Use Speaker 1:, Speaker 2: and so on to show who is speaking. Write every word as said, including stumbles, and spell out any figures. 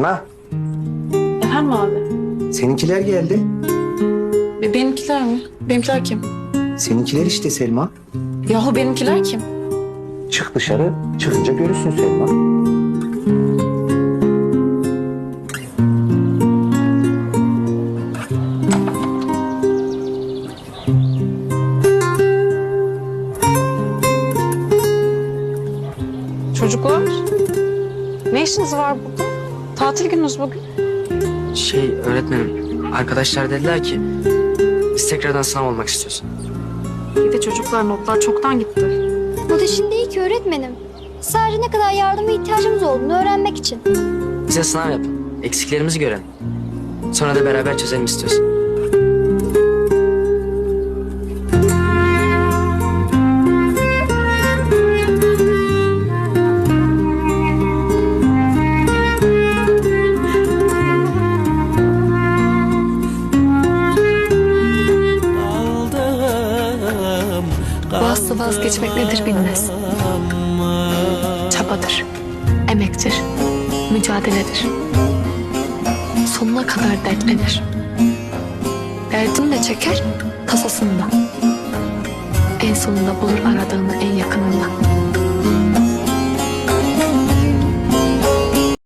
Speaker 1: Selma,
Speaker 2: Efendim abi?
Speaker 1: seninkiler geldi.
Speaker 2: Be- benimkiler mi? Benimkiler kim?
Speaker 1: Seninkiler işte Selma.
Speaker 2: Yahu benimkiler kim?
Speaker 1: Çık dışarı, çıkınca görürsün Selma.
Speaker 2: Çocuklar. Ne işiniz var burada? Tatil gününüz bugün.
Speaker 3: Şey öğretmenim, arkadaşlar dediler ki biz tekrardan sınav olmak istiyoruz.
Speaker 2: Bir de çocuklar notlar çoktan gitti.
Speaker 4: O da şimdi iyi ki öğretmenim. Sadece ne kadar yardıma ihtiyacımız olduğunu öğrenmek için.
Speaker 3: Bize sınav yapın, eksiklerimizi görelim. Sonra da beraber çözelim istiyoruz.
Speaker 5: Bazısı vazgeçmek nedir bilmez. Çabadır, emektir, mücadeledir. Sonuna kadar dertlenir. Derdini de çeker, tasasını da. En sonunda bulur aradığını en yakınında.